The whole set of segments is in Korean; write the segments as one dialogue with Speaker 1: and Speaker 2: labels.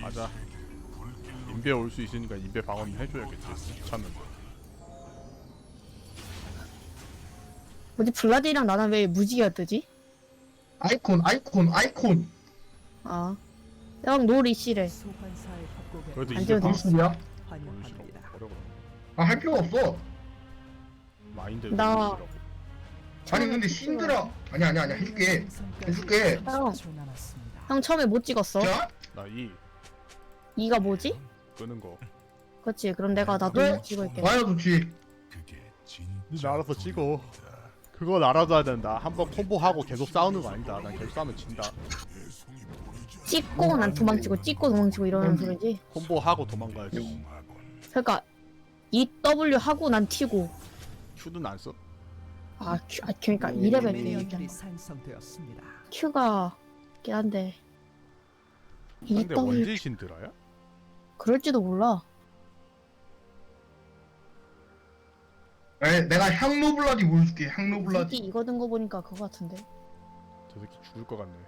Speaker 1: 맞아. 인베 올 수 있으니까 인베 방어는 해줘야겠지. 귀찮은데.
Speaker 2: 뭐지 블라디랑 나는 왜 무지개가 뜨지?
Speaker 3: 아이콘.
Speaker 2: 아, 형 노리씨래.
Speaker 4: 소환사의 협곡에
Speaker 1: 그래도
Speaker 2: 안
Speaker 1: 인베
Speaker 2: 되어도
Speaker 1: 방어
Speaker 3: 무슨 소리야?
Speaker 4: 환영합니다.
Speaker 1: 버려 그럼.
Speaker 3: 아, 할 필요가 없어.
Speaker 1: 마인드
Speaker 2: 나-
Speaker 1: 노리시라고.
Speaker 3: 아니 근데 신드라 아니야 해줄게. 해줄게.
Speaker 2: 형.
Speaker 4: 30초 남았습니다.
Speaker 2: 형 처음에 못 찍었어.
Speaker 3: 자,
Speaker 1: 나이
Speaker 2: 이가 뭐지?
Speaker 1: 끄는 거.
Speaker 2: 그렇지. 그럼 내가 나도
Speaker 3: 네.
Speaker 2: 찍을게.
Speaker 3: 와야 좋지.
Speaker 1: 니 알아서 찍어. 그건 알아둬야 된다. 한번 콤보하고 계속 싸우는 거 아니다. 난 계속 싸우면 진다.
Speaker 2: 찍고 난 도망치고 찍고 도망치고 이러는 소리지.
Speaker 1: 콤보하고 도망가야지.
Speaker 2: 그러니까 EW 하고 난 튀고.
Speaker 1: Q는 안 써?
Speaker 2: 그러니까 2레벨
Speaker 4: 미니언들이
Speaker 2: 때
Speaker 4: 생성되었습니다.
Speaker 2: Q가 있긴 한데
Speaker 1: 근데
Speaker 2: EW
Speaker 1: 원질 신드라야?
Speaker 2: 그럴지도 몰라.
Speaker 3: 내가 향로블라디 보여줄게.
Speaker 2: 새끼
Speaker 3: 향로블라디.
Speaker 2: 이거 든 거 보니까 그거 같은데.
Speaker 1: 저 새끼 죽을 것 같네.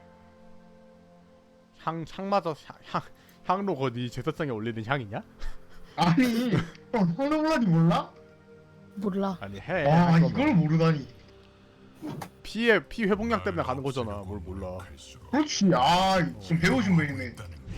Speaker 1: 향마저 향로 거니 제사상에 올리는 향이냐?
Speaker 3: 아니, 형 향로블라디 몰라?
Speaker 2: 몰라.
Speaker 1: 아니 해.
Speaker 3: 와,
Speaker 1: 할
Speaker 3: 이걸
Speaker 1: 거면.
Speaker 3: 모르다니.
Speaker 1: 피 회복량 때문에 가는 거잖아. 뭘 몰라.
Speaker 3: 그렇지. 아, 좀 배우신 분이네.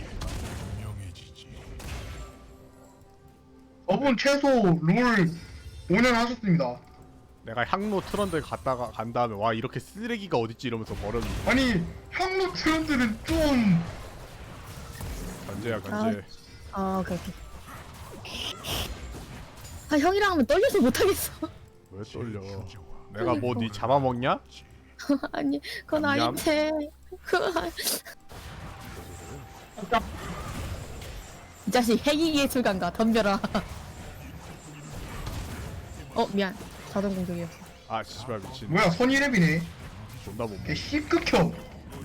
Speaker 3: 저분 최소 롤 5년 하셨습니다.
Speaker 1: 내가 향로 트런드 갔다가 간 다음에 와 이렇게 쓰레기가 어딨지 이러면서 버렸는데.
Speaker 3: 아니, 향로 트렌드는 좀
Speaker 1: 견제야 견제.
Speaker 2: 오케이. 아 형이랑 하면 떨려서 못하겠어.
Speaker 1: 왜 떨려? 내가 뭐 니 잡아먹냐?
Speaker 2: 아니 그건
Speaker 1: 냠냠.
Speaker 2: 아닌데. 이 자식 핵이 예술가인가 덤벼라. 미안. 자동 공격이었어.
Speaker 1: 아 씨발 미친.
Speaker 3: 뭐야, 선이랩이네.
Speaker 1: 존나 못 먹.
Speaker 3: 걔 C극혐.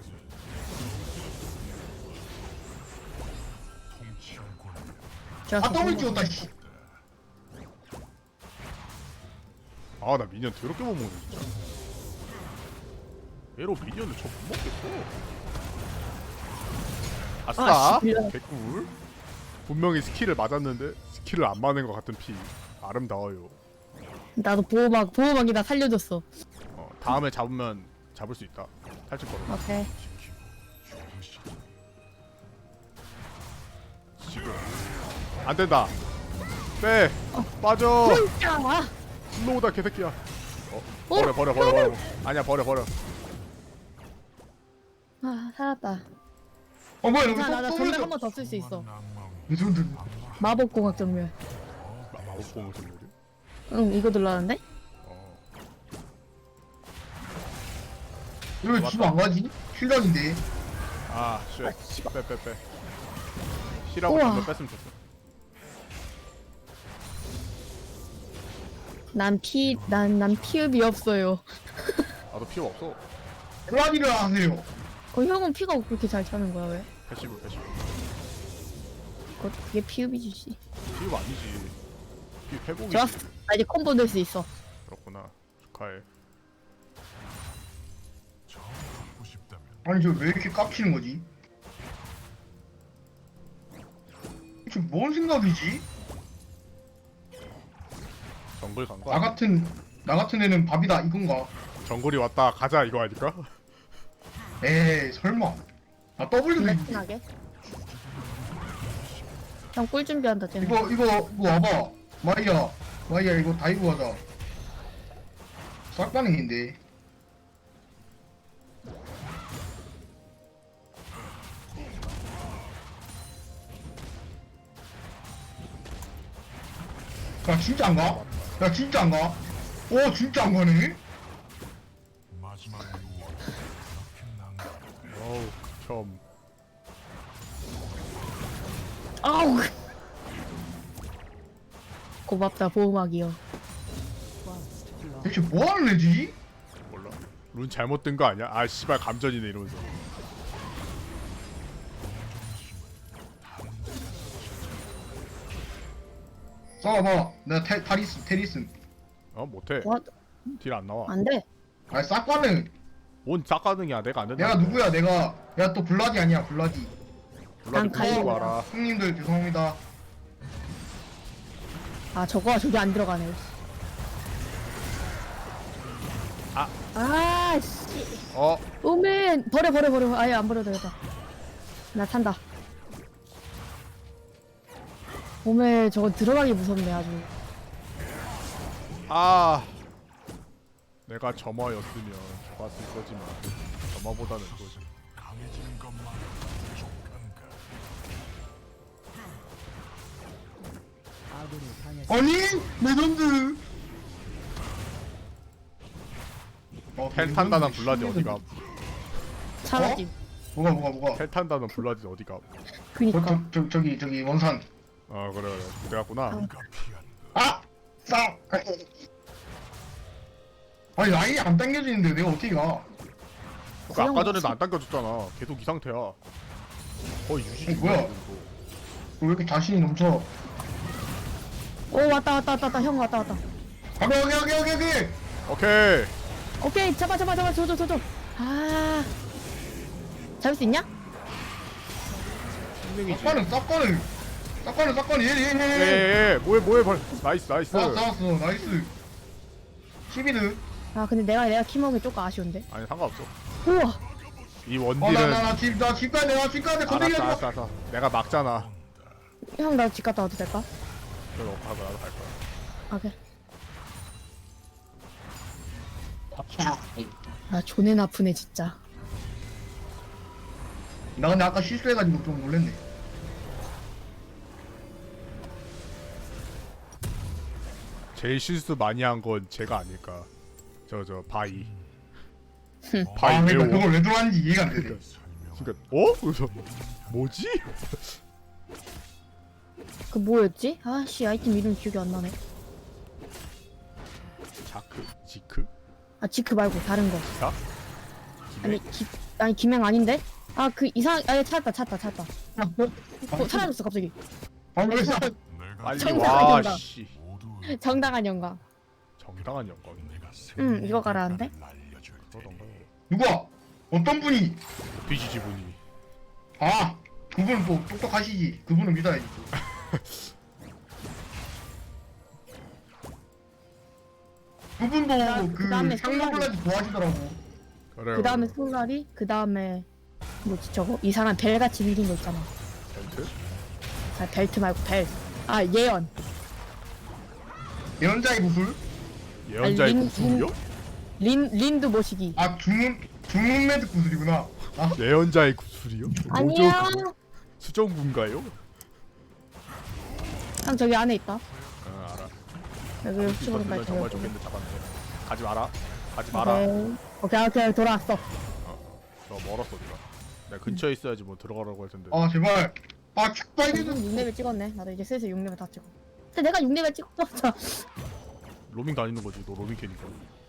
Speaker 2: 제가
Speaker 3: 아, 더블 찍었다, 씨.
Speaker 1: 아나 미니언 더럽게 못 먹네 진짜. 얘로 미니언을 저 못 먹겠어. 아싸.
Speaker 2: 아, 씨, 미안.
Speaker 1: 개꿀. 분명히 스킬을 맞았는데 스킬을 안 맞는 것 같은 피. 아름다워요.
Speaker 2: 나도 보호막이다 살려줬어.
Speaker 1: 다음에 잡으면 잡을 수 있다. 탈출 걸어.
Speaker 2: 오케이.
Speaker 1: 지금 안 된다. 빼. 빠져.
Speaker 2: 야!
Speaker 1: 슬로우다 개새끼야. 버려. 아니야 버려.
Speaker 2: 아 살았다.
Speaker 3: 뭐야, 여기
Speaker 2: 나
Speaker 3: 또
Speaker 2: 전멸 한 번 더 쓸 수 있어.
Speaker 3: 무슨 들
Speaker 2: 마법공학 전멸.
Speaker 1: 마법공을 선물이.
Speaker 2: 응 이거 눌렀는데?
Speaker 3: 왜 집 안 가지? 실력인데.
Speaker 1: 아 쉣. 빼. C라고
Speaker 2: 우와.
Speaker 1: 전멸 뺐으면 좋겠어.
Speaker 2: 난 피읍이 없어요.
Speaker 1: 나도 피가 없어.
Speaker 3: 블라디를 하세요.
Speaker 2: 형은 피가 그렇게 잘 차는 거야 왜?
Speaker 1: 패시브.
Speaker 2: 그게 피읍이지 씨.
Speaker 1: 피가 아니지. 피 회복이지.
Speaker 2: 좋았어. 나 이제 콤보 낼 수 있어.
Speaker 1: 그렇구나. 축하해.
Speaker 3: 아니, 저 왜 이렇게 깝치는 거지? 지금 뭔 생각이지?
Speaker 1: 정글 간 거.
Speaker 3: 나 같은 애는 밥이다 이건가?
Speaker 1: 정글이 왔다 가자 이거 아닐까?
Speaker 3: 에이, 설마. 나 W도
Speaker 2: 레슨하게. 형 꿀 준비한다 쟤는.
Speaker 3: 이거 와봐. 마이야 이거 다이브 하자. 싹가능인데. 야 진짜 안 가? 야 진짜 안 가? 진짜 안 가네?
Speaker 1: 어우 극혐.
Speaker 2: 아우. 고맙다 보호막이요.
Speaker 4: First blood.
Speaker 3: 대체 뭐 하는 애지?
Speaker 1: 몰라. 룬 잘못 뜬 거 아니야? 아 씨발 감전이네 이러면서.
Speaker 3: 싸워봐. 내가 테리슨.
Speaker 1: 못해.
Speaker 2: 와,
Speaker 1: 딜 안 나와.
Speaker 2: 안 돼.
Speaker 3: 아 싹가능.
Speaker 1: 뭔 짝가능이야. 내가 안 된다.
Speaker 3: 내가 누구야 내가. 야 또 블라디 아니야 블라디.
Speaker 1: 블라디
Speaker 2: 가요.
Speaker 1: 부수고 와라.
Speaker 3: 형님들 죄송합니다.
Speaker 2: 아 저거가 저기 안 들어가네.
Speaker 1: 아.
Speaker 2: 아씨.
Speaker 1: 어
Speaker 2: 오맨 버려. 아예 안 버려도 되겠다. 나 탄다. 오맨 저거 들어가기 무섭네 아주.
Speaker 1: 아. 내가 점화였으면 좋았을 거지만 점화보다는 그거지.
Speaker 4: 아군이 당했습니다.
Speaker 3: 아니 레전드.
Speaker 1: 텔 탄다는 블라디 어디가?
Speaker 2: 사라짐.
Speaker 3: 뭐가?
Speaker 1: 텔 탄다는 블라디 어디가?
Speaker 2: 그니까.
Speaker 3: 저기 원산.
Speaker 1: 아 그래 그래 갔구나.
Speaker 3: 아! 싸! 아니 라인이 안 당겨지는데 내가 어떻게 가?
Speaker 1: 그 아까 전에도 안 당겨줬잖아. 계속 이 상태야. 거의 유지.
Speaker 3: 뭐야? 왜 이렇게 자신이 넘쳐?
Speaker 2: 오 왔다. 형 왔다.
Speaker 3: 여기!
Speaker 1: 오케이.
Speaker 2: 오케이 잡아. 줘. 아. 잡을 수 있냐?
Speaker 1: 신능이지.
Speaker 3: 싹거는 얘.
Speaker 1: 예예예. 뭐해 벌. 나이스.
Speaker 3: 잡았어 나이스. 11드.
Speaker 2: 아 근데 내가 키먹이 조금 아쉬운데.
Speaker 1: 아니 상관없어.
Speaker 2: 우와.
Speaker 1: 이 원딜은
Speaker 3: 나집 가야 돼 건드리지 마.
Speaker 1: 알았어. 내가 막잖아.
Speaker 2: 형 나 집 갔다 와도 될까?
Speaker 1: 그럼 하고 나도 갈 거야.
Speaker 2: 오케이. 아 존나 아프네 진짜.
Speaker 3: 나 근데 아까 실수해가지고 좀 놀랬네.
Speaker 1: 제일 실수 많이 한 건 제가 아닐까. 저 바이.
Speaker 3: 아
Speaker 1: 바이
Speaker 3: 그러니까
Speaker 1: 매워.
Speaker 3: 그걸 왜 들어왔는지 이해가 안 되네.
Speaker 1: 그러니까 어? 그래서 뭐지?
Speaker 2: 그 뭐였지? 아씨 아이템 이름 기억이 안 나네.
Speaker 1: 지크?
Speaker 2: 아 지크 말고 다른 거.
Speaker 1: 기사?
Speaker 2: 아니 김행 아닌데? 아 그 이상 아예 찾았다. 사라졌어 갑자기.
Speaker 3: 왜
Speaker 1: 빨리
Speaker 2: 정상한
Speaker 1: 와
Speaker 2: 영광.
Speaker 1: 씨.
Speaker 2: 정당한 영광.
Speaker 1: 정당한 영광.
Speaker 2: 이거 가라는데?
Speaker 1: 그러던가.
Speaker 3: 누가? 어떤 분이?
Speaker 1: BGG 분이.
Speaker 3: 아 그분은 또 똑똑하시지. 그분은 믿어야지. 그분도
Speaker 2: 그다음에
Speaker 3: 그 상남블라지 좋아하시더라고.
Speaker 1: 그래.
Speaker 2: 그 다음에 솔라리, 그 다음에 뭐지 저거 이 사람 벨같이 생긴 거 있잖아.
Speaker 1: 벨트?
Speaker 2: 아 벨트 말고 벨. 아 예언.
Speaker 3: 예언자의 구슬?
Speaker 1: 예언자의
Speaker 2: 린-
Speaker 1: 구슬이요?
Speaker 2: 린도 모시기.
Speaker 3: 아 주문매드 구슬이구나. 아
Speaker 1: 예언자의 구슬이요?
Speaker 2: 아니야.
Speaker 1: 수정군가요?
Speaker 2: 형 저기 안에 있다.
Speaker 1: 아 알아.
Speaker 2: 여기 혹시
Speaker 1: 이거
Speaker 2: 모른다.
Speaker 1: 들면 정말 좋겠는데 잡았네. 가지 마라.
Speaker 2: 오케이 돌아왔어.
Speaker 1: 너 멀었어 네가. 내가 근처에 있어야지 뭐 들어가라고 할 텐데.
Speaker 3: 아 제발. 아 축발이
Speaker 2: 6레벨 찍었네. 나도 이제 슬슬 6레벨 다 찍어. 근데 내가 6레벨 찍었어.
Speaker 1: 로밍 다니는 거지. 너 로밍 캐니까.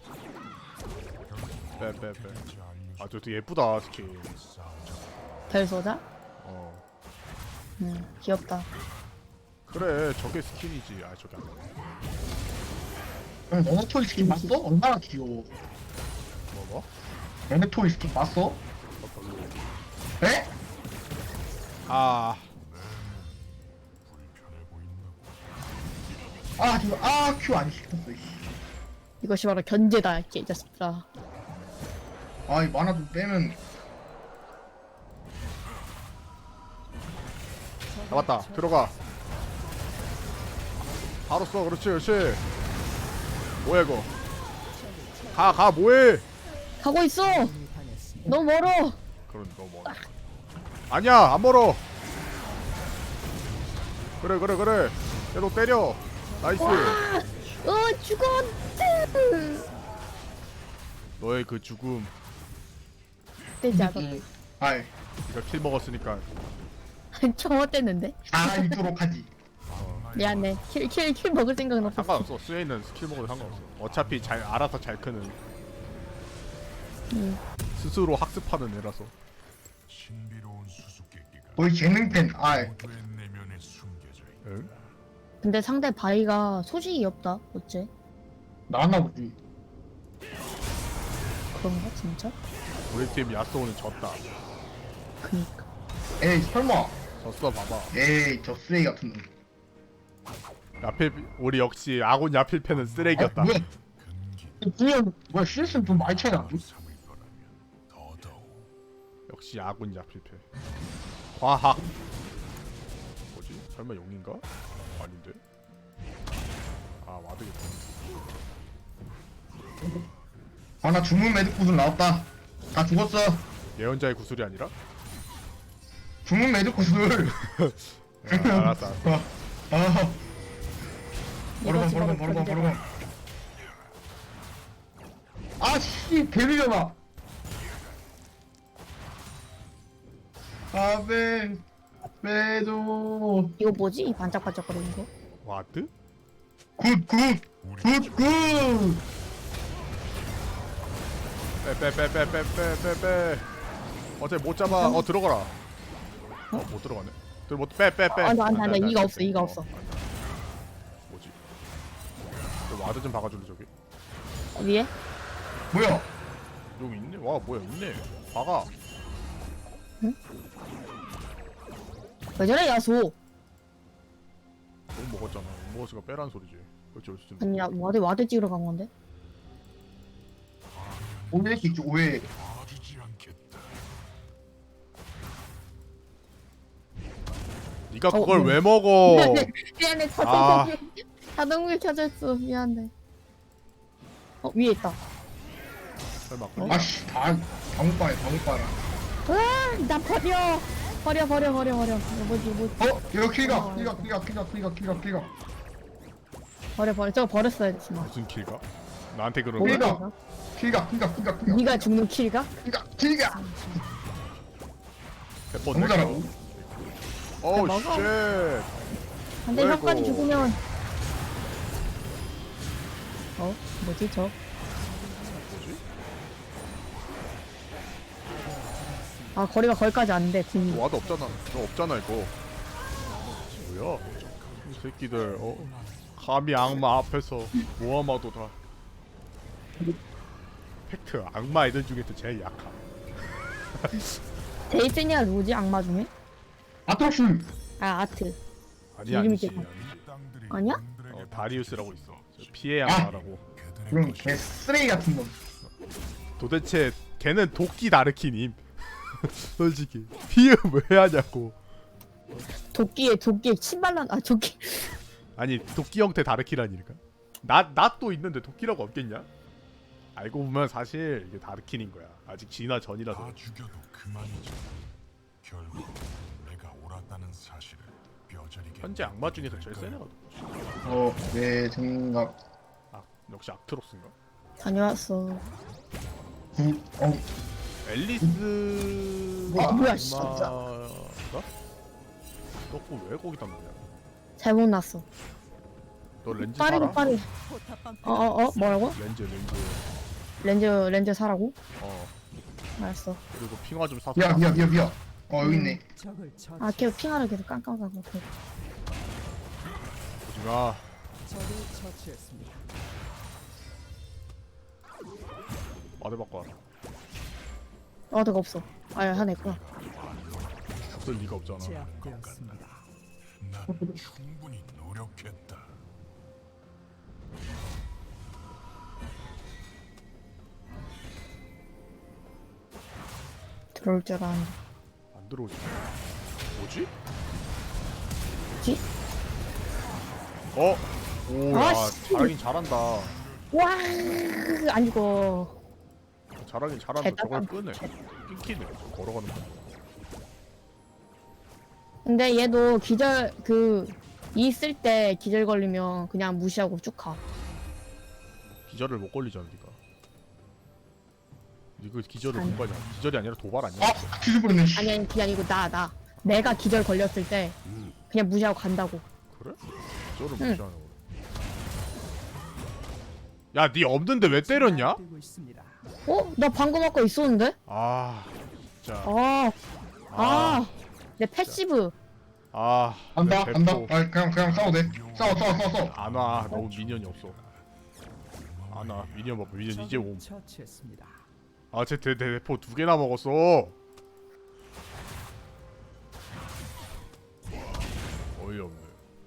Speaker 1: 빼. 아 저 되게 예쁘다 스킨.
Speaker 2: 별 소자?
Speaker 1: 어.
Speaker 2: 귀엽다.
Speaker 1: 그래 저게 스킨이지. 아 저게 안 돼.
Speaker 3: 너네토이 스킨 봤어? 얼마나 귀여워.
Speaker 1: 뭐?
Speaker 3: 너네토이 스킨 봤어?
Speaker 1: 어, 별로.
Speaker 3: 에?
Speaker 1: 아
Speaker 3: 아 지금 큐 안 시켰어. 씨.
Speaker 2: 이것이 바로 견제다 이 자식들아.
Speaker 3: 아 이 만화 좀 빼면.
Speaker 1: 잡았다. 들어가. 바로 써. 그렇지. 뭐야 이거? 가 뭐해?
Speaker 2: 가고 있어.
Speaker 4: 아군이 당했습니다.
Speaker 2: 너무 멀어.
Speaker 1: 그런 너무 멀어. 아니야 안 멀어. 그래. 얘도 때려. 나이스.
Speaker 2: 죽었지.
Speaker 1: 너의 그 죽음.
Speaker 2: 되지 않아.
Speaker 3: 아이
Speaker 1: 네가 킬 먹었으니까.
Speaker 2: 좀 어땠는데?
Speaker 3: 알아있도록 하지.
Speaker 2: 미안해. 킬 먹을 생각은 없었어.
Speaker 1: 상관없어. 스웨이는 스킬 먹어도 상관없어. 어차피 잘 알아서 잘 크는. 스스로 학습하는 애라서.
Speaker 5: 신비로운 수수께끼가
Speaker 3: 거의 재능팬. 아이
Speaker 5: 모두의 내면에 숨겨져 있다.
Speaker 1: 응?
Speaker 2: 근데 상대 바위가 소식이 없다. 어째?
Speaker 3: 나왔나 보지.
Speaker 2: 그런가 진짜?
Speaker 1: 우리 팀 야스오는 졌다.
Speaker 2: 그니까.
Speaker 3: 에이 설마
Speaker 1: 졌어 봐봐.
Speaker 3: 에이 저 쓰레기 같은 놈.
Speaker 1: 야필 우리 역시 아군 야필패는 쓰레기였다.
Speaker 3: 뭐야? 분명 뭐야 CS는 좀 많이 차이 나.
Speaker 5: 삼을 거라면 더더욱
Speaker 1: 역시 아군 야필패. 과학. 뭐지? 설마 용인가? 아닌데. 아 와드겠다.
Speaker 3: 아나 주문 매듭 구슬 나왔다. 다 죽었어.
Speaker 1: 예언자의 구슬이 아니라?
Speaker 3: 주문 매듭 구슬.
Speaker 1: 알았어.
Speaker 3: 아.
Speaker 2: 이거 집어넣을
Speaker 3: 바로
Speaker 2: 건데.
Speaker 3: 아씨 개미려나. 아베 매도
Speaker 2: 이거 뭐지? 이 반짝반짝거리는 거?
Speaker 1: 와드?
Speaker 3: 굿굿굿굿
Speaker 1: 빼. 어차피 못 잡아. 들어가라. 못 들어가네. 빼.
Speaker 2: 안 돼. 이가 없어, 이가 없어.
Speaker 1: 뭐지? 너 와드 좀 박아줄래 저기?
Speaker 2: 위에?
Speaker 3: 뭐야?
Speaker 1: 여기 있네. 와 뭐야 있네. 박아.
Speaker 2: 왜 저래 야소?
Speaker 1: 너무 먹었잖아. 먹었으니까 빼란 소리지. 그렇지 그렇지.
Speaker 2: 아니 야 와드 찍으러 간 건데?
Speaker 3: 오해했지 오해.
Speaker 5: 봐주지 않겠다.
Speaker 1: 네가 그걸
Speaker 2: 뭐.
Speaker 1: 왜 먹어?
Speaker 2: 미안해
Speaker 1: 아.
Speaker 2: 자동물 켜졌어 미안해. 위에 있다.
Speaker 1: 설마
Speaker 3: 아씨 다 방울빠네.
Speaker 2: 나 버려. 이거 뭐지?
Speaker 3: 이거 킬가.
Speaker 2: 버려. 저거 버렸어야 지 마.
Speaker 1: 무슨 킬가? 나한테 그런
Speaker 2: 뭐야?
Speaker 1: 거야?
Speaker 3: 킬가.
Speaker 2: 네가 죽는 킬가?
Speaker 3: 킬가.
Speaker 1: 100번
Speaker 3: 너무
Speaker 1: 냈어.
Speaker 3: 잘하고.
Speaker 1: 어우
Speaker 2: 먹어.
Speaker 1: 쉣.
Speaker 2: 근데
Speaker 1: 아이고.
Speaker 2: 혀까지 죽으면 뭐지 저?
Speaker 1: 뭐지?
Speaker 2: 아 거리가 거기까지 안 돼. 궁이.
Speaker 1: 와드 없잖아. 너 없잖아 이거. 뭐야? 이 새끼들 감히 악마 앞에서 모아마도다. 팩트 악마 애들 중에서 제일 약함.
Speaker 2: 데이스니아 누구지 악마 중에?
Speaker 3: 아토스.
Speaker 2: 아 아트.
Speaker 1: 아니
Speaker 2: 이름이
Speaker 1: 아니지.
Speaker 2: 있겠다.
Speaker 5: 땅들이
Speaker 2: 아니야?
Speaker 5: 그들에게
Speaker 1: 다리우스라고 있어. 저 피해 악마라고.
Speaker 5: 그들의
Speaker 3: 그럼
Speaker 5: 것이
Speaker 3: 개 쓰레기 같은 놈.
Speaker 1: 도대체 걔는 도끼 다르키님. 솔직히 피해 왜 하냐고.
Speaker 2: 도끼에 침발란 도끼.
Speaker 1: 아니 도끼 형태 다르키라니까. 나 또 있는데 도끼라고 없겠냐? 알고 보면 사실 이게 다르킨인 거야. 아직 진화 전이라서.
Speaker 5: 다 죽여도 그만이지. 결국 내가 옳았다는 사실을 뼈저리게
Speaker 1: 현재 악마 중에서 제일 센 애가 누구지?
Speaker 3: 내 생각.
Speaker 1: 역시 악트로스인가?
Speaker 2: 다녀왔어.
Speaker 1: 앨리스
Speaker 2: 뭐야, 진짜.
Speaker 1: 악마가? 너 왜 거기다 넣냐?
Speaker 2: 잘못 났어.
Speaker 1: 너 렌즈
Speaker 2: 빠르게
Speaker 1: 사라?
Speaker 2: 빠르게. 뭐라고? 렌즈 사라고? 알았어.
Speaker 1: 그리고 핑화 좀 사서.
Speaker 3: 미야. 여기 있네.
Speaker 4: 적을 처치.
Speaker 2: 아 계속 핑하를 계속 깜깜하고.
Speaker 1: 오지마.
Speaker 4: 적을 처치했습니다.
Speaker 1: 와드 바꿔 와라.
Speaker 2: 어드가 없어. 하나 있구나.
Speaker 1: 없을 리가 없잖아.
Speaker 4: 제압되었습니다.
Speaker 5: 난 충분히 노력했다.
Speaker 2: 들어올 줄 알았는데.
Speaker 1: 안 들어오지. 뭐지?
Speaker 2: 뭐지?
Speaker 1: 오야
Speaker 2: 아, 씨.
Speaker 1: 잘하긴 잘한다.
Speaker 2: 와, 안 죽어.
Speaker 1: 잘하긴 잘한다.
Speaker 2: 잘
Speaker 1: 저걸
Speaker 2: 따라-
Speaker 1: 끄네. 끊기네. 걸어가는 거.
Speaker 2: 근데 얘도 기절 있을 때 기절 걸리면 그냥 무시하고 쭉 가.
Speaker 1: 기절을 못 걸리잖아 니가. 이거 기절을
Speaker 2: 아니.
Speaker 1: 못 걸냐? 기절이 아니라 도발 아니야?
Speaker 3: 뒤집어졌네.
Speaker 2: 아니 그게 아니고 나 내가 기절 걸렸을 때 그냥 무시하고 간다고.
Speaker 1: 그래? 기절을
Speaker 2: 응.
Speaker 1: 무시하는 거. 야, 니 없는데 왜 때렸냐?
Speaker 4: 제압되고 있습니다.
Speaker 2: 나 방금 아까 있었는데?
Speaker 1: 아, 진짜.
Speaker 2: 내 패시브.
Speaker 3: 간다.
Speaker 1: 내
Speaker 3: 간다.
Speaker 1: 배포.
Speaker 3: 그냥 싸워 돼. 싸워.
Speaker 1: 안 와. 너무 미니언이 없어. 안 와. 미니언 봐봐. 미니언 이제 옴.
Speaker 4: 처치했습니다.
Speaker 1: 아, 쟤 대포 2개나 먹었어. 어이없네.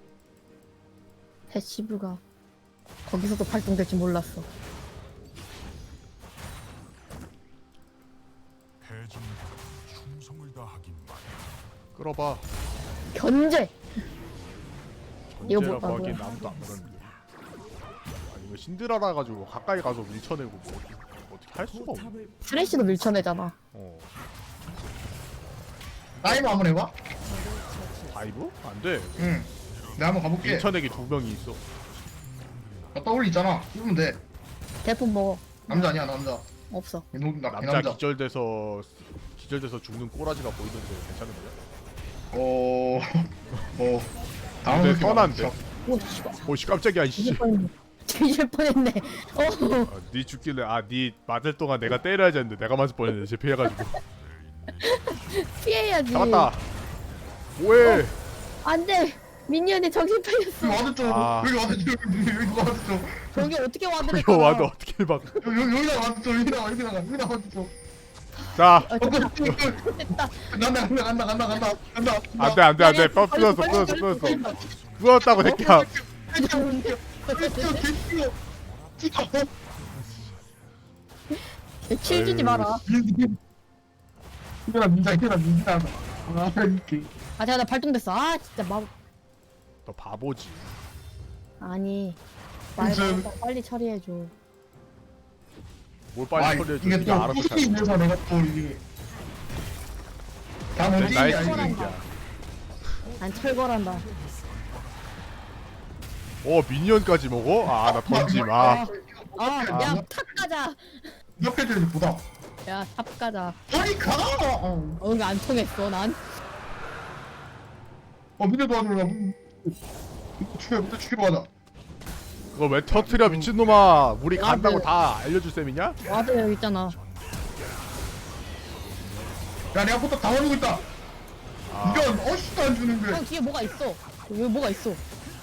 Speaker 2: 패시브가 거기서도 발동될 줄 몰랐어.
Speaker 5: 대중과 충성을 다하긴 마련.
Speaker 1: 끌어봐.
Speaker 2: 견제. 이거 뭐-
Speaker 1: 전제라고
Speaker 2: 아,
Speaker 1: 하기엔
Speaker 2: 뭐야.
Speaker 1: 아무도 안 그러는데. 아니 이거 신드라라 가지고 가까이 가서 밀쳐내고 뭐 어떻게 할 수가 없네.
Speaker 4: 포탑을
Speaker 2: 트레이시도 밀쳐내잖아.
Speaker 1: 어.
Speaker 3: 타이머 한번 해봐.
Speaker 1: 다이브? 안 돼.
Speaker 3: 응. 내가 한번 가볼게.
Speaker 1: 밀쳐내기 2명이 있어.
Speaker 3: 나 더블 있잖아. 입으면 돼.
Speaker 2: 대폰 먹어.
Speaker 3: 남자 아니야 남자.
Speaker 2: 없어.
Speaker 3: 나
Speaker 1: 남자
Speaker 3: 남자.
Speaker 1: 기절돼서 죽는 꼬라지가 보이는데 괜찮은 거야?
Speaker 3: 뭐 다음
Speaker 1: 근데 선한데.
Speaker 2: 오 씨발.
Speaker 1: 오씨 깜짝이야 이씨.
Speaker 2: 뒤질 뻔했네. 뒤질 뻔했네. 어.
Speaker 1: 네 죽길래 네 맞을 동안 내가 때려야지 했는데 내가 맞을 뻔했네. 제 피해가지고.
Speaker 2: 피해야지.
Speaker 1: 잡았다. 뭐해?
Speaker 2: 안돼. 미니언이 정신 팔렸어.
Speaker 3: 여기 와드죠.
Speaker 1: 아.
Speaker 3: 여기 와드죠. 여기 와드죠.
Speaker 2: 저기 어떻게 와드를
Speaker 1: 이거 와도 어떻게 막.
Speaker 3: 여기다 와드죠. 여기다 와드죠.
Speaker 1: 자.
Speaker 2: 됐다.
Speaker 3: 간다.
Speaker 1: 안돼 부었어. 부었다고 새끼야.
Speaker 2: 칠 주지 마라.
Speaker 3: 이거라 민자. 아 이렇게.
Speaker 2: 아 제가 나 발동됐어. 아 진짜
Speaker 1: 너 바보지.
Speaker 2: 아니 말
Speaker 3: 무슨-
Speaker 2: 빨리 처리해줘.
Speaker 1: 뭘 빨리 처리해줘.
Speaker 3: 이게
Speaker 1: 네가
Speaker 3: 또
Speaker 1: 알아서
Speaker 3: 꾸준히
Speaker 1: 잘.
Speaker 3: 있면서 내가 또 이게 다 뭔지
Speaker 1: 나의
Speaker 3: 알지?
Speaker 1: 스킬이야.
Speaker 2: 난 철거란다.
Speaker 1: 미니언까지 먹어? 나 던짐.
Speaker 2: 야 탑 가자.
Speaker 3: 옆에 들이 보다.
Speaker 2: 야 탑 가자.
Speaker 3: 아니 가.
Speaker 2: 이거 안 통했어 난.
Speaker 3: 밑에 도와주려. 밑에 죽이러 가자.
Speaker 1: 그거 왜 터트려 미친놈아. 우리
Speaker 2: 아,
Speaker 1: 간다고
Speaker 2: 그-
Speaker 1: 다 알려줄 셈이냐?
Speaker 2: 와드 여기 있잖아.
Speaker 3: 야 내가 포탑 다 와주고 있다. 이건 어시도 안 주는데.
Speaker 2: 형 뒤에 뭐가 있어. 왜 뭐가 있어?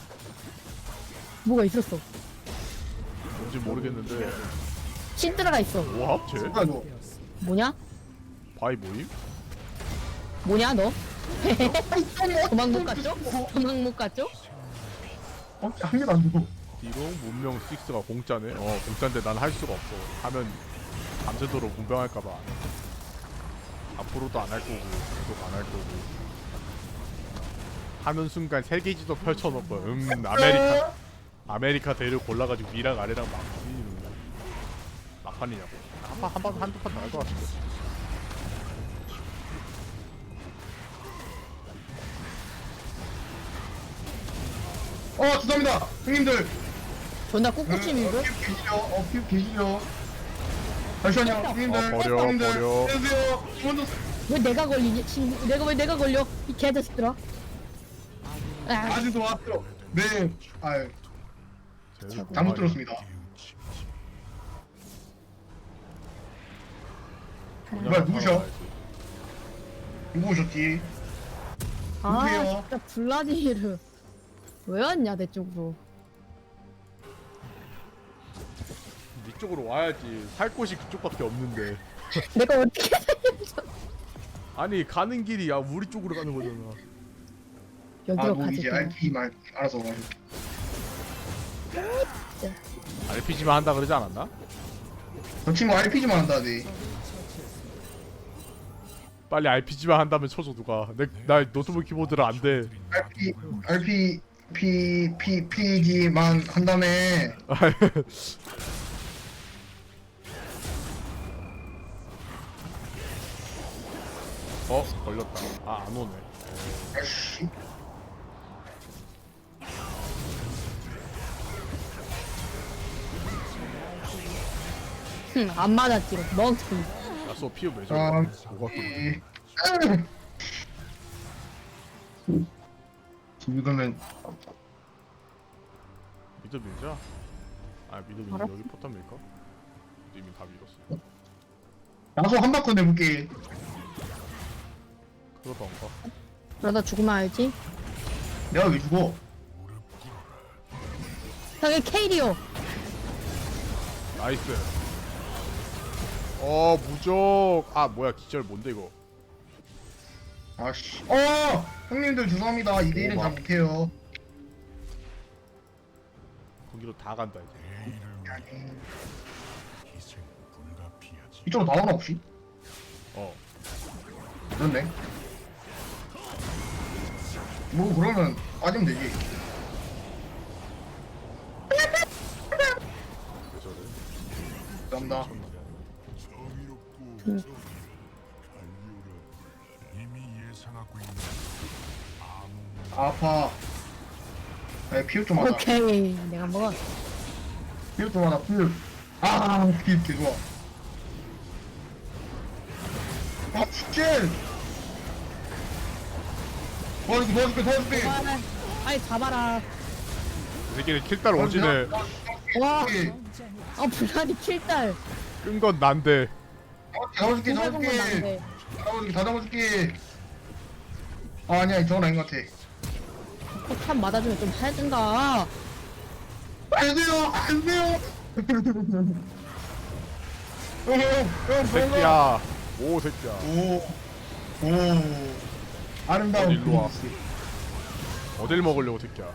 Speaker 2: 뭐가 있었어.
Speaker 1: 뭔지 모르겠는데.
Speaker 2: 신드라가 있어.
Speaker 1: 뭐야 쟤?
Speaker 3: 뭐야 너?
Speaker 2: 뭐냐?
Speaker 1: 바이 모임?
Speaker 2: 뭐냐 너? 도망 못 갔죠? 도망 못 갔죠?
Speaker 3: 한 개도 안 주고.
Speaker 1: 디롱 문명 6가 공짜네. 공짜인데 난 할 수가 없어. 하면 밤새도록 문병할까봐 안 해. 앞으로도 안 할 거고 계속 안 할 거고. 하는 순간 세 개지도 펼쳐놓고 아메리카 대를 골라가지고 위랑 아래랑 막 부딪히는 거야. 막판이냐고. 한두 판 더 할 것 같은데.
Speaker 3: 죄송합니다. 형님들.
Speaker 2: 존나 꿋꿋이 밀고.
Speaker 3: 피부 계시죠? 잠시만요. 형님들.
Speaker 1: 버려.
Speaker 3: 안녕하세요. 먼저
Speaker 2: 왜 내가 걸리니? 친구 왜 내가 걸려? 이 개자식들아. 아,
Speaker 3: 아직도 왔죠. 네. 아유.
Speaker 1: 쟤는
Speaker 3: 잘못
Speaker 1: 그만이야.
Speaker 3: 들었습니다.
Speaker 1: 그냥
Speaker 3: 뭐야, 누구셔?
Speaker 1: 살아가야지.
Speaker 3: 누구 오셨지?
Speaker 2: 아
Speaker 3: 누구세요?
Speaker 2: 진짜 블라디미르 왜 왔냐 내 쪽으로.
Speaker 1: 네 쪽으로 와야지. 살 곳이 그쪽밖에 없는데.
Speaker 2: 내가 어떻게 살려줘?
Speaker 1: 아니 가는 길이 우리 쪽으로 가는 거잖아.
Speaker 2: 여기로
Speaker 3: 뭐
Speaker 2: 가지.
Speaker 3: 이제 RP만 알아서 가지고.
Speaker 1: RPG만 한다 그러지 않았나?
Speaker 3: 저 친구 RPG만 한다네.
Speaker 1: 빨리 RPG만 한다면 쳐줘 누가. 나 노트북 키보드를 안 돼.
Speaker 3: PG만 한 다음에
Speaker 1: 걸렸다. 안 오네.
Speaker 3: 아씨.
Speaker 2: 안 맞았지. 멍청.
Speaker 1: 야쏘 피우 왜
Speaker 3: 아,
Speaker 1: 저래? 뭐가 또
Speaker 3: 이거는
Speaker 1: 미드 밀자. 미드 밀
Speaker 2: 알았어.
Speaker 1: 여기 포탑 밀까? 이미 다 밀었어.
Speaker 3: 나소 한 바퀴 내볼게.
Speaker 1: 그러던가.
Speaker 2: 그러다 죽으면 알지?
Speaker 3: 내가 왜 죽어?
Speaker 2: 형이 케이리오.
Speaker 1: 나이스. 무적. 뭐야 기절 뭔데 이거?
Speaker 3: 아씨. 형님들 죄송합니다. 2대1은 잘 못해요.
Speaker 1: 거기로 다 간다 이제.
Speaker 5: 내일을 위해 희생 불가피하지.
Speaker 3: 이쪽으로 나오나 혹시?
Speaker 1: 어.
Speaker 3: 그렇네. 뭐 그러면 빠지면 되지.
Speaker 1: 왜 저래?
Speaker 3: 감사합니다.
Speaker 5: 정의롭고 갈료라 이미 예상하고 있는 아무
Speaker 3: 아파. 피흡 좀 하자.
Speaker 2: 오케이 내가 먹어.
Speaker 3: 피흡 좀 하자. 피흡 개 좋아. 진짜. 도와줄게.
Speaker 2: 아이 잡아라.
Speaker 1: 이 새끼는 킬달 오지네.
Speaker 2: 와.
Speaker 3: 오케이.
Speaker 2: 아 불안이 킬달.
Speaker 1: 끈 건 난데.
Speaker 3: 잡아줄게.
Speaker 2: 다
Speaker 3: 잡아줄게. 아니야, 저건 아닌 것 같아.
Speaker 2: 폭탄 맞아주면 좀 해준다.
Speaker 3: 안 돼요.
Speaker 1: 새끼야. 오 새끼야.
Speaker 3: 오. 아름다운
Speaker 1: 일로 와.
Speaker 3: 그리스.
Speaker 1: 어딜 먹으려고 새끼야.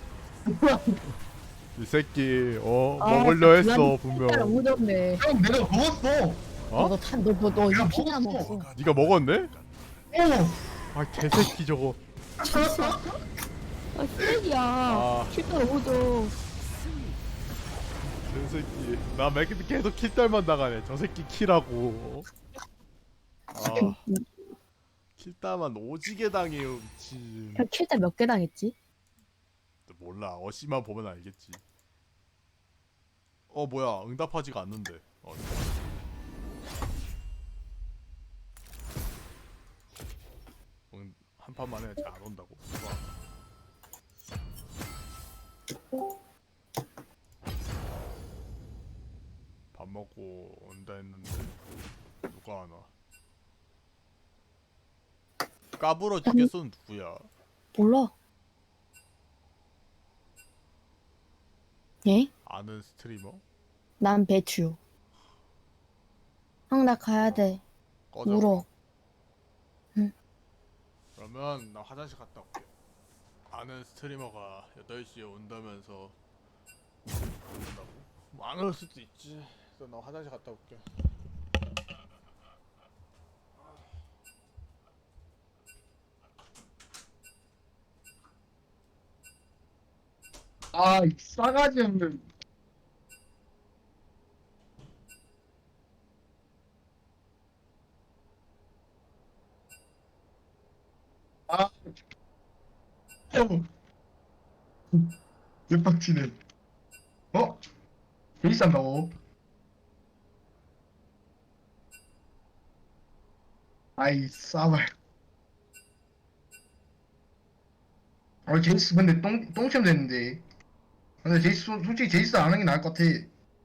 Speaker 1: 이 새끼
Speaker 2: 아,
Speaker 1: 먹으려 했어
Speaker 2: 킬달
Speaker 1: 분명.
Speaker 2: 오졌네.
Speaker 3: 형, 내가 먹었어.
Speaker 1: 어?
Speaker 2: 너 이거
Speaker 3: 야,
Speaker 2: 피자
Speaker 3: 먹었어.
Speaker 2: 먹었어.
Speaker 1: 네가 먹었네?
Speaker 3: 오.
Speaker 1: 아 개새끼 저거.
Speaker 2: 아 쓰레기야.
Speaker 1: 아.
Speaker 2: 킬달 오죠.
Speaker 1: 개새끼. 나 계속 킬달만 나가네. 저 새끼 키라고. 아. 킬달만 오지게 당해요 미친.
Speaker 2: 형 킬달 몇 개 당했지?
Speaker 1: 몰라. 어시만 보면 알겠지. 뭐야 응답하지가 않는데. 한 판만 해. 잘 안 온다고. 밥 먹고 온다 했는데 누가 안 와? 까불어 주겠어는 누구야?
Speaker 2: 몰라. 예?
Speaker 1: 아는 스트리머?
Speaker 2: 난 배추. 형 나 가야 돼.
Speaker 1: 꺼져.
Speaker 2: 울어.
Speaker 1: 그러면 나 화장실 갔다 올게. 아는 스트리머가 8시에 온다면서 온다고? 뭐 안 올 수도 있지. 그래서 나 화장실 갔다 올게.
Speaker 3: 이 싸가지 없는. 형. 대박치네. 베이스 한다고? 아이, 싸발. 제이스 근데 똥침 됐는데. 근데 제이스 솔직히 제이스 안 하는 게 나을 것 같아.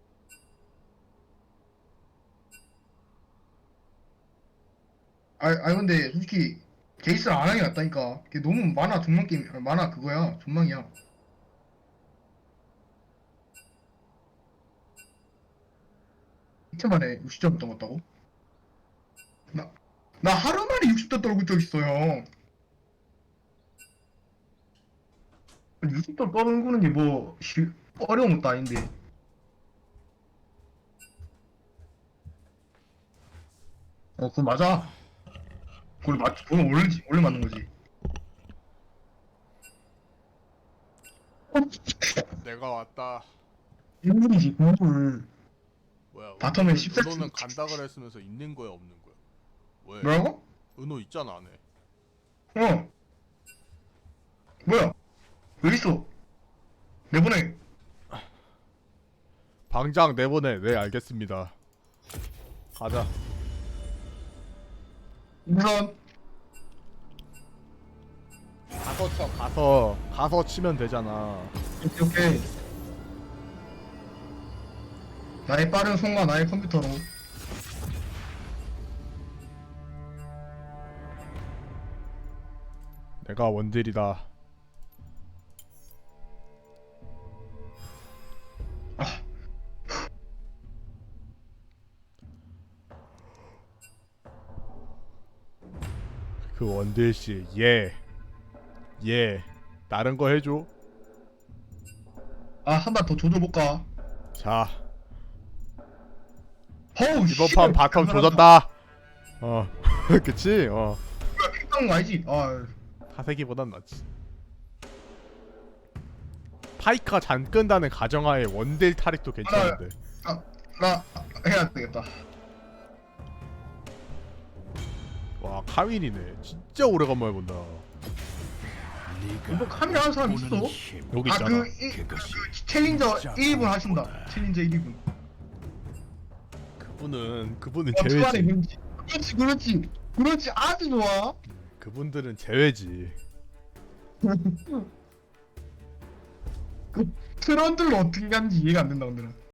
Speaker 3: 근데 솔직히 제이스 안 하는 게 낫다니까. 걔 너무 만화 존망 게임, 만화 그거야. 존망이야. 이틀 만에 60점 떨었다고? 나 하루 만에 60점 떨군 적 있어요. 60점 떨구는 게 뭐 어려운 것도 아닌데. 그거 맞아. 그건 원래 맞는 거지.
Speaker 1: 내가 왔다.
Speaker 3: 인물이지, 인물.
Speaker 1: 뭐야?
Speaker 3: 바텀에 14
Speaker 1: 은호는 간다 그랬으면서 있는 거야 없는 거야? 왜?
Speaker 3: 뭐라고?
Speaker 1: 은호 있잖아 안에.
Speaker 3: 뭐야? 왜 있어? 내보내.
Speaker 1: 방장 내보내. 네 알겠습니다. 가자.
Speaker 3: 우선
Speaker 1: 가서 쳐. 가서 치면 되잖아.
Speaker 3: 오케이. 나의 빠른 손과 나의 컴퓨터로.
Speaker 1: 내가 원딜이다. 그 원딜씨 얘 다른 거 해줘.
Speaker 3: 아, 한 번 더 조져볼까?
Speaker 1: 자
Speaker 3: 어우,
Speaker 1: 이번
Speaker 3: 씨발,
Speaker 1: 판 바텀
Speaker 3: 그
Speaker 1: 조졌다. 그치?
Speaker 3: 픽당 알지? 아,
Speaker 1: 사세기보단 낫지. 파이크가 잔 끈다는 가정하에 원딜 타릭도 괜찮은데.
Speaker 3: 나 해야 되겠다.
Speaker 1: 와 카윈이네. 진짜 오래간만에 본다.
Speaker 3: 이거 카메라 하는 사람 있어?
Speaker 1: 여기
Speaker 3: 아,
Speaker 1: 있잖아.
Speaker 3: 그 챌린저 1분 하신다. 챌린저 1분.
Speaker 1: 그분은
Speaker 3: 주말에
Speaker 1: 제외지.
Speaker 3: 그렇지 아주 좋아.
Speaker 1: 그분들은 제외지.
Speaker 3: 그 트런들로 어떻게 하는지 이해가 안 된다, 오늘은.